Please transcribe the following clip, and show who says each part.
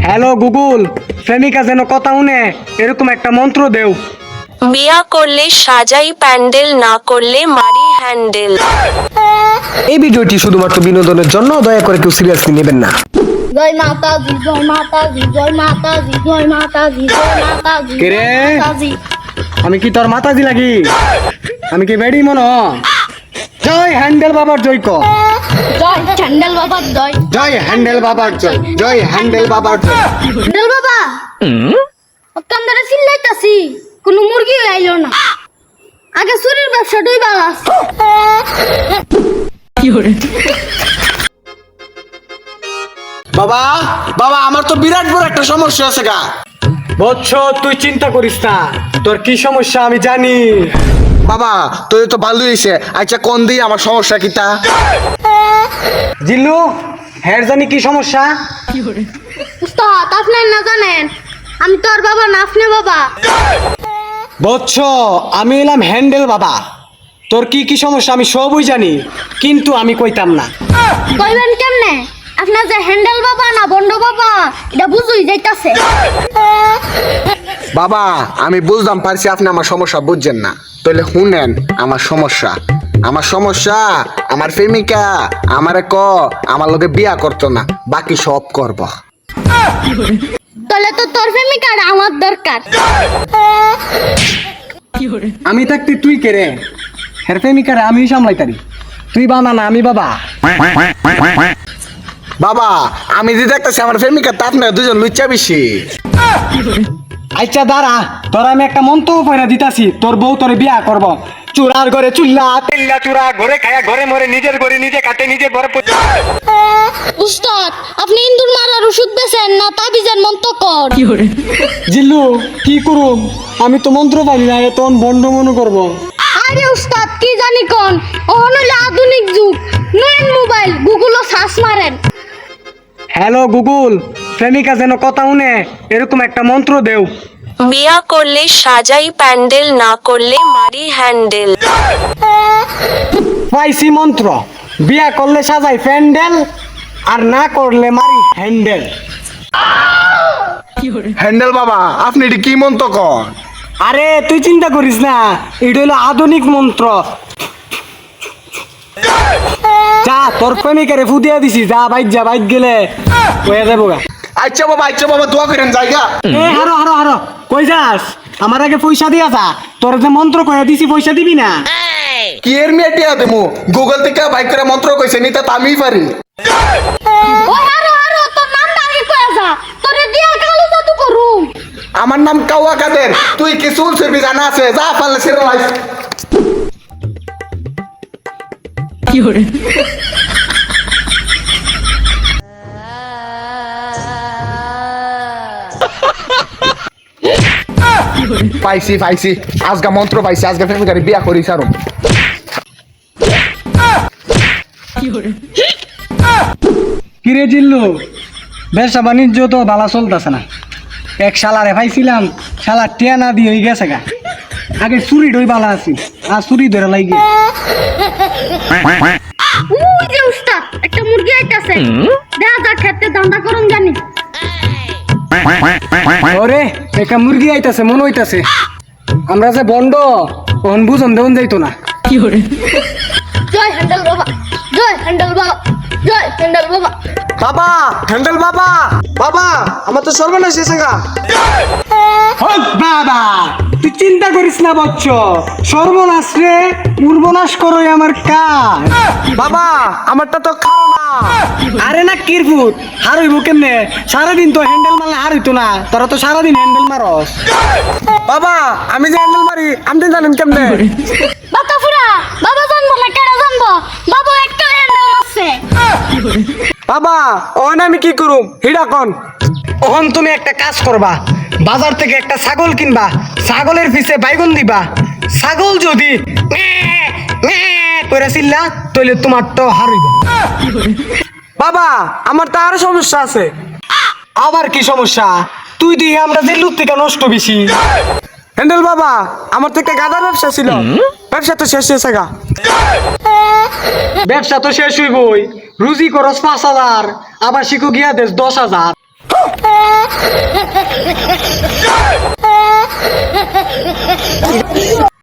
Speaker 1: Hello Google, প্রেমিকা যেন কথা শুনে এরকম একটা মন্ত্র দেও।
Speaker 2: বিয়া করলে সাজাই প্যান্ডেল, না করলে মারি হ্যান্ডেল।
Speaker 1: এই ভিডিওটি শুধুমাত্র বিনোদনের জন্য, দয়া করে কেউ সিরিয়াসলি নেবেন না।
Speaker 3: জয় মাতাজি, জয় মাতাজি, জয় মাতাজি, জয় মাতাজি, জয় মাতাজি,
Speaker 1: কে রে?
Speaker 3: জয় মাতাজি।
Speaker 1: আমি কি তোর মাতাজি লাগি? আমি কি বেড়ি মন? জয় হ্যান্ডেল বাবার জয় ক।
Speaker 3: জয় চ্যান্ডেল বাবার জয়।
Speaker 1: জয় হ্যান্ডেল বাবার জয়, জয় হ্যান্ডেল বাবার জয়।
Speaker 3: চ্যান্ডেল বাবা অকান ধরে চিল্লাইতাছি, কোনো মুরগি আইলো না। আগে চুরির ব্যবসাটাই বালাস।
Speaker 4: বাবা বাবা আমার তো বিরাট বড় একটা সমস্যা আছে গা।
Speaker 1: বৎস, তুই চিন্তা করিস না, তোর কি সমস্যা আমি জানি।
Speaker 4: বাবা তোর তো ভালো হয়েছে। আচ্ছা কোন দিয়ে আমার সমস্যা কিটা?
Speaker 1: জিল্লু, হ্যার জানি কি সমস্যা?
Speaker 3: উস্তাদ আপনি না জানেন, আমি তোর বাবা না, আপনি বাবা।
Speaker 1: বৎস, আমি এলাম হ্যান্ডেল বাবা। তোর কি কি সমস্যা আমি সবই জানি, কিন্তু আমি কইতাম না।
Speaker 3: কইবেন কেমনে? আপনার যে হ্যান্ডেল বাবা না বন্ড বাবা, এটা বুঝুই যাইতাছে।
Speaker 4: বাবা আমি বুঝলাম পারছি আপনি আমার সমস্যা বুঝছেন না। তাহলে শুনেন আমার সমস্যা। আমার প্রেমিকা আমারে আমার লোকে বিয়া করতো না, বাকি সব করব।
Speaker 3: তাহলে তো তোর প্রেমিকার আমার দরকার।
Speaker 1: আমি থাকতে তুই কে রে? হ্যার প্রেমিকারে আমি সামলাইতারি, তুই বানা না আমি বাবা।
Speaker 4: বাবা আমি যে দেখতেছি আমার প্রেমিকা তা আপনার দুজন লুচ্চা বেশি।
Speaker 1: আচ্ছা দাঁড়া, তোর আমি একটা মন্তব্য পয়না দিতাছি, তোর বউ তোরে বিয়া করব। চুরার ঘরে চুল্লা তেল্লা চুরা, ঘরে খায়া ঘরে মরে, নিজের ঘরে নিজে কাটে, নিজের ঘরে
Speaker 3: উস্তাদ আপনি ইন্দুর মারার ওষুধ বেছেন না তাবিজের মন্ত্র কর।
Speaker 1: জিল্লু কি করুম, আমি তো মন্ত্র পারি না, তখন বন্ড মনে করবো।
Speaker 3: আরে উস্তাদ কি জানি কোন, ওহন হইলো আধুনিক যুগ, নেন মোবাইল গুগলও সার্চ মারেন।
Speaker 1: হ্যালো গুগল, প্রেমিকা যেন কথা শুনে এরকম একটা মন্ত্র দেও।
Speaker 2: বিয়া করলে সাজাই প্যান্ডেল, না করলে মারি হ্যান্ডেল।
Speaker 1: পাইছি মন্ত্র, বিয়া করলে সাজাই প্যান্ডেল, আর না করলে মারি হ্যান্ডেল।
Speaker 4: হ্যান্ডেল বাবা আপনি এটি কি মন্ত্র কন?
Speaker 1: আরে তুই চিন্তা করিস না, এটা হলো আধুনিক মন্ত্র। যা তোর প্রেমিকারে ফুদিয়া দিছি, যা বাইক গেলে হয়ে যাবো গা।
Speaker 4: আচ্ছা বাবা দোয়া করেন জায়গা।
Speaker 1: এ হারো হারো হারো, কই যাস? আমার আগে পয়সা দিয়া যা, তোর যে মন্ত্র কয়ে দিছি পয়সা দিবি না?
Speaker 4: কি এর মেয়েটিয়া দেবো? গুগল থেকে বাইক করে মন্ত্র কইছে নিতে তা আমিই পারি।
Speaker 3: ওই আরো তোর নামটা আগে কয়া যা, তোরে দিয়া কালো জাদু করুম।
Speaker 4: আমার নাম কাওয়া কাদের, তুই কি চুল ছবি জানা আছে? যা পারলে সেরে লাইস। পাইছি আজকে মন্ত্র পাইছি, আজকে প্রেমিকারে বিয়া করি সারুম।
Speaker 1: কিরে জিল্লু, ব্যবসা বাণিজ্য তো ভালো চলতেছে না। এক শালারে পাইছিলাম, শালা টিয়া না দিয়ে গেছে গা। আগে চুরি ডই ভালো আছি, আর চুরি ধরে লাগে।
Speaker 3: উই যে উস্তাদ একটা মুরগি আইতাছে, দেখা যা খেতে দান্দা করুম জানি।
Speaker 1: ওরে একটা মুরগি আইতাছে মনে হইতাছে, আমরা যে বন্ড ওহন বুঝন দেউন যাইতো না।
Speaker 3: জয় হ্যান্ডেল বাবা, জয় হ্যান্ডেল বাবা, জয় হ্যান্ডেল বাবা।
Speaker 4: বাবা হ্যান্ডেল বাবা আমার তো সর্বনাশ হয়েছে গা।
Speaker 1: বাবা তুই চিন্তা করিস না বচ্চ, সর্বনাশ রে উর্বনাশ করোই আমার কাজ।
Speaker 4: বাবা আমারটা তো খাও না।
Speaker 1: আরে না কিরফুট, হারইব কেমনে? সারাদিন তো হ্যান্ডেল মারলে হারইতো না, তোরা তো সারাদিন হ্যান্ডেল মারস।
Speaker 4: বাবা আমি যে হ্যান্ডেল মারি আপনি জানেন কেমনে?
Speaker 3: বাতা ফুরা বাবা জানবো না কেডা জানবো, বাবা একটা হ্যান্ডেল আছে।
Speaker 4: বাবা ওখানে আমি কি করুম হিডা কন?
Speaker 1: ওহন তুমি একটা কাজ করবা, বাজার থেকে একটা ছাগল কিনবা, ছাগলের পিছে বাইগুন দিবা। ছাগল যদি করে চিল্লা তাহলে তোমার তো হারিব।
Speaker 4: বাবা আমার তো আরো সমস্যা আছে।
Speaker 1: আবার কি সমস্যা? তুই দিয়ে আমরা জেলুর থেকে নষ্ট বেশি।
Speaker 4: হ্যান্ডেল বাবা আমার তো একটা গাদার ব্যবসা ছিল, ব্যবসা তো শেষ হয়েছে গা।
Speaker 1: ব্যবসা তো শেষ হইবই, রুজি খরচ 5,000, আবার শিখু গিয়া দেশ 10,000।